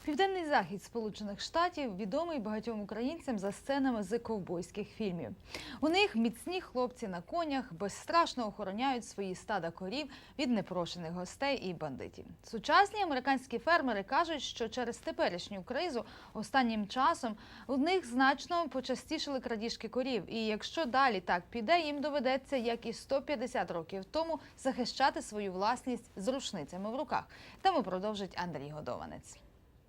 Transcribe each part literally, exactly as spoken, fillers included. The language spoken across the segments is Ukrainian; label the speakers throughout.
Speaker 1: Південний захід Сполучених Штатів відомий багатьом українцям за сценами з ковбойських фільмів. У них міцні хлопці на конях безстрашно охороняють свої стада корів від непрошених гостей і бандитів. Сучасні американські фермери кажуть, що через теперішню кризу останнім часом у них значно почастішили крадіжки корів. І якщо далі так піде, їм доведеться, як і сто п'ятдесят років тому, захищати свою власність з рушницями в руках. Тему продовжить Андрій Годованець.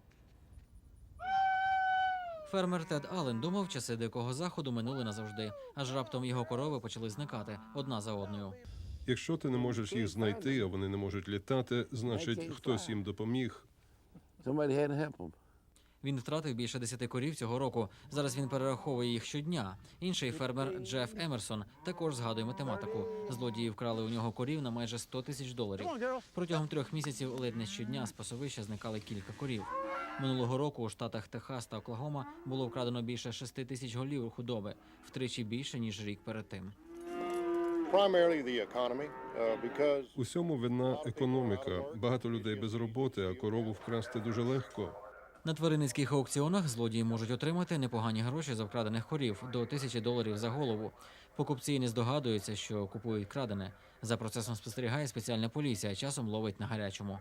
Speaker 2: Фермер Тед Аллен думав, часи Дикого Заходу минули назавжди, аж раптом його корови почали зникати одна за одною.
Speaker 3: Якщо ти не можеш їх знайти, а вони не можуть літати, значить, хтось їм допоміг.
Speaker 2: Він втратив більше десяти корів цього року. Зараз він перераховує їх щодня. Інший фермер Джеф Емерсон також згадує математику. Злодії вкрали у нього корів на майже сто тисяч доларів. Протягом трьох місяців ледь не щодня з пасовища зникали кілька корів. Минулого року у штатах Техас та Оклахома було вкрадено більше шести тисяч голів худоби, втричі більше, ніж рік перед тим.
Speaker 3: Усьому вина економіка. Багато людей без роботи, а корову вкрасти дуже легко.
Speaker 2: На тваринницьких аукціонах злодії можуть отримати непогані гроші за вкрадених корів – до тисячі доларів за голову. Покупці не здогадуються, що купують крадене. За процесом спостерігає спеціальна поліція, часом ловить на гарячому.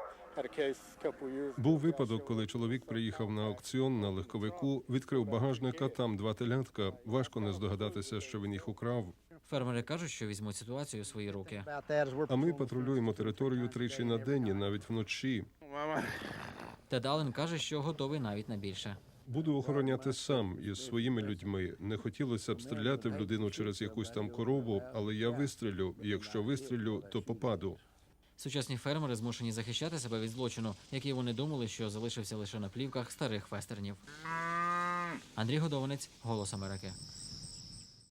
Speaker 3: Був випадок, коли чоловік приїхав на аукціон на легковику, відкрив багажник, а там два телятка. Важко не здогадатися, що він їх украв.
Speaker 2: Фермери кажуть, що візьмуть ситуацію у свої руки.
Speaker 3: А ми патрулюємо територію тричі на день, і навіть вночі.
Speaker 2: Тед Аллен каже, що готовий навіть на більше.
Speaker 3: Буду охороняти сам із своїми людьми. Не хотілося б стріляти в людину через якусь там корову, але я вистрілю. І якщо вистрілю, то попаду.
Speaker 2: Сучасні фермери змушені захищати себе від злочину, який вони думали, що залишився лише на плівках старих вестернів. Андрій Годованець, «Голос Америки».